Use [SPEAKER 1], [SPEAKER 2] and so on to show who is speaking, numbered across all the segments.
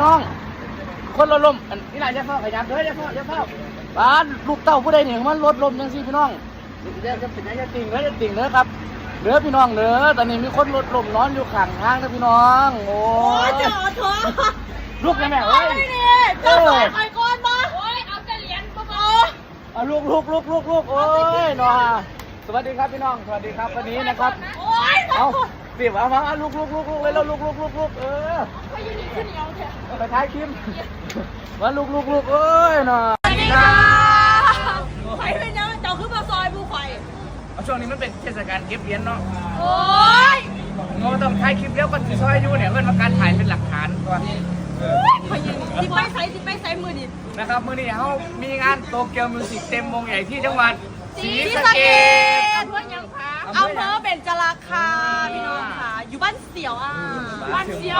[SPEAKER 1] น้องคนรถลมนี่นายจะเข้าขยับเด้อจะเข้าบ้านลูกเต้าผู้ใดเนี่ยมันรถลมยังสิพี่น้องจะเป็นยังจะติ่งเด้อจะติ่งเด้อครับเด้อพี่น้องเด้อตอนนี้มีคนรถลมนอนอยู่ข้างทางนะพี่น้องโอ้ย
[SPEAKER 2] เจอเถอะ
[SPEAKER 1] ลูกยังไงเฮ้ย
[SPEAKER 2] เจ้าต่อยใครก่อนมาโอ้ยเอาแต่เหรียญก็พอ
[SPEAKER 1] ลูกโอ้ยน้องสวัสดีครับพี่น้องสวัสดีครับวันนี้นะครับ
[SPEAKER 2] โอ้ย
[SPEAKER 1] เอาสิบเอามาลูกเลยแล้วลูก
[SPEAKER 2] ไปยืนขึ้นเหนียวเถอะ
[SPEAKER 1] ไปท้ายคิมมาลูกเอ้ยน้อง
[SPEAKER 2] สวัสดีค่ะไฟเป็นยังเจ้าขึ้นมาซอยผู้ไฟ
[SPEAKER 1] ช่วงนี้มันเป็นเทศกาลเก็บเหรียญเนาะ
[SPEAKER 2] โอ้ย
[SPEAKER 1] เราต้องถ่ายคลิปเลี้ยวก่อนที่ซอยอยู่เนี่ยเพื่อนมาการถ่ายเป็นหลักฐานก่อน
[SPEAKER 2] ไปยืนที่ไปใส่มือดิ
[SPEAKER 1] นะครับมื้อนี้เขามีงานโตเกียวมิวสิกเต็มวงใหญ่ที่จังหวัดศรีสะเกษ
[SPEAKER 2] อำเภอยังคะอำเภอเบญจราคาพี่น้องค่ะอยู่บ้านเสียวบ้านเสียว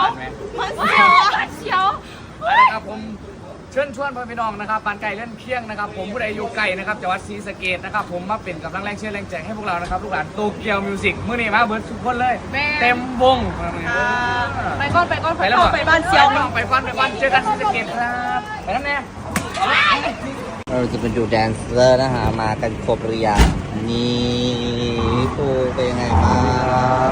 [SPEAKER 1] นะครับผมเชิญชวนพี่น้องนะครับปานไก่เล่นเคียงนะครับผมผู้ใดอยู่ไกลนะครับจังหวัดศรีสะเกษนะครับผมมาเป็นกำลังแรงเชียร์แรงใจให้พวกเรานะครับลูกหลานโตเกียวมิวสิกมื้อนี้มาเบิร์ดทุกคนเลยเต็มวง
[SPEAKER 2] ไปก่อนไปบ้านเสียว
[SPEAKER 1] ไปก่อนเจอกันศรีสะเกษครับไปนั่นแน่
[SPEAKER 3] เราจะเป็นดูแดนเซอร์นะฮะมากันครบหรือยังนี่ครูเป็นยังไงบ้าง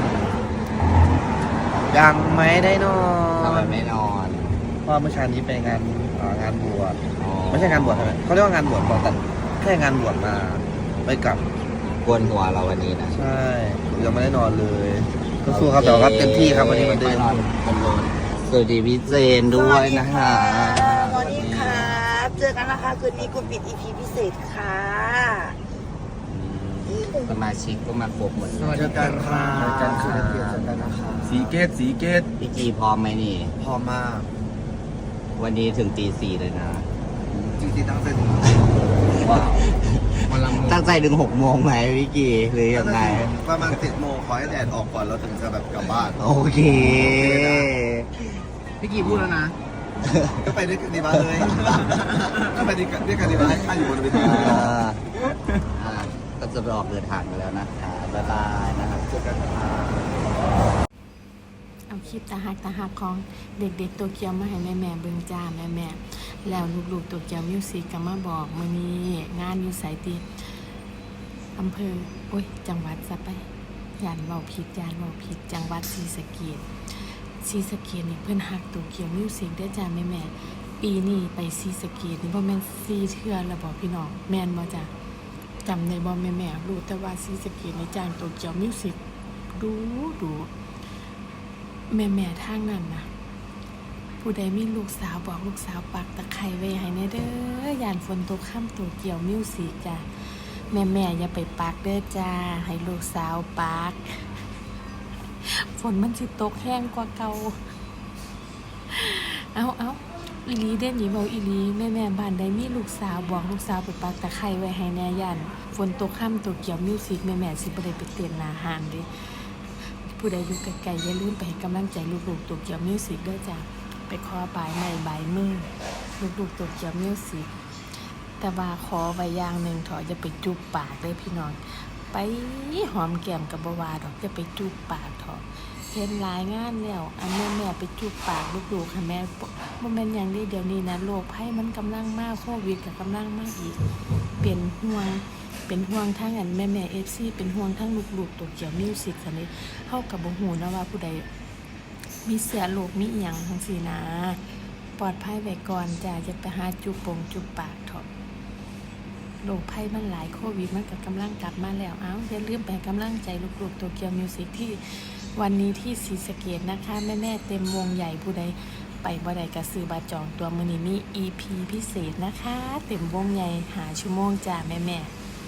[SPEAKER 4] ยังไม่ได้นอ
[SPEAKER 3] ทำไม
[SPEAKER 4] น
[SPEAKER 3] ไม่นอน
[SPEAKER 4] เพราะเมื่อเช้านี้ไปงานบวชไม่ใช่งานบวชใช่ไหมเขาเรียกว่างานบวชก่อนแต่แค่งานบวชมาไปกลับ
[SPEAKER 3] กวนหัวเราวันนี้นะ
[SPEAKER 4] ใช่ยังไม่ได้นอนเลยก็สู้ครับแต่ว่าเต็มที่ครับวันนี้มันเดิน
[SPEAKER 3] สวัสดีพี่เจนด้วยนะฮะ
[SPEAKER 5] สวัสดีครับเจอกันนะคะคืนนี้กูปิด EP พิเศษค่ะ
[SPEAKER 3] สมาชิกก็มาครบหมด
[SPEAKER 4] เจอกันสีเกต
[SPEAKER 3] พี่จีพร้อมไหมนี่
[SPEAKER 4] พอมาก
[SPEAKER 3] วันนี้ถึงตี 4เลยนะ
[SPEAKER 4] จริงๆตั้งใจ
[SPEAKER 3] ว้าวตั้งใจถึง6 โมงไหมพี่กีหรือยังไง
[SPEAKER 4] ประมาณ7 โมงขอให้แดดออกก่อนเราถึงจะแบบกลับบ้าน
[SPEAKER 3] โอเค
[SPEAKER 1] พี่กีพูดแล้วนะ
[SPEAKER 4] ก็ไปด้วยกันดีบ้าเลยก็ไปด้วยกันดีบ้าให้ข้าอยู่บนเวที
[SPEAKER 3] ก็จะออกเดินทางไปแล้วนะคะบ๊ายบายนะครับเจอกัน
[SPEAKER 2] เอาคลิปตาหักของเด็กๆตัวเกียวมาให้แม่เบิ่งจ้าแม่แล้วลูกๆตัวเกียวมิวสิกก็มาบอกมื้อนี้งานอยู่ไสติอำเภอจังหวัดซะไปย่านเว้าผิดจังหวัดศรีสะเกษนี่เพิ่นฮักตัวเกียวมิวสิกได้จ้าแม่ปีนี้ไปศรีสะเกษนี่บ่แม่น4 เทื่อแล้วบ่พี่น้องแม่นบ่จ้าจำได้บ่แม่รู้แต่ว่าศรีสะเกษนี่จ้างตัวเกียวมิวสิกดูแม่ทางนั้นนะผู้ใดมีลูกสาวบอกลูกสาวปักตะไคร้ไว้ให้แน่เด้อย่านฝนตกค่ำตัวเกี่ยวมิวสิกจ้ะแม่อย่าไปปักเด้อจ้าให้ลูกสาวปักฝนมันสิตกแห้งกว่าเก่าเอาอีหลีเด่นหยีเบาอีหลีแม่บ้านใดมีลูกสาวบอกลูกสาวไปปักตะไคร้ไว้ให้แน่ย่านฝนตกค่ำตัวเกี่ยวมิวสิกแม่สิบ่ได้ไปเต้นหน้าห้างเด้ผู้ใดอยู่ไกลๆอย่าลืมไปให้กำลังใจลูกๆตัวเกียวมิวสิกด้วยจ้ะไปขอปลายไม้ใบมือลูกๆตัวเกียวมิวสิกแต่ว่าขอไว้อย่างหนึ่งถอจะไปจูบปากเลยพี่น้องไปหอมแก้มกับบวาดอกจะไปจูบปากถอเห็นหลายงานแล้วอันแม่ไปจูบปากลูกๆค่ะแม่บ่แม่นอย่างนี้เดี๋ยวนี้นะโรคภัยมันกำลังมากโควิดก็กำลังมากอีกเป็นห่วงทั้งอันแม่FC เป็นห่วงทั้งลูกๆตัวเกี่ยวมิวสิกซั่นนี่เฮาก็บ่ฮู้นะว่าผู้ใดมีเสียโรคมีอีหยังจังซี่นะปลอดภัยไว้ก่อนจ้ะจะไปหาจุบปากเถาะโรคภัยมันหลายโควิดมันก็กำลังกลับมาแล้วอย่าลืมไปกำลังใจลูกๆตัวเกี่ยวมิวสิกที่วันนี้ที่ศรีสะเกษนะคะแม่เต็มวงใหญ่ผู้ใดไปบ่ได้ก็ซื้อบัตรจองตัวมื้อนี้มี EP พิเศษนะคะเต็มวงใหญ่หาชั่วโมงจ้ะแม่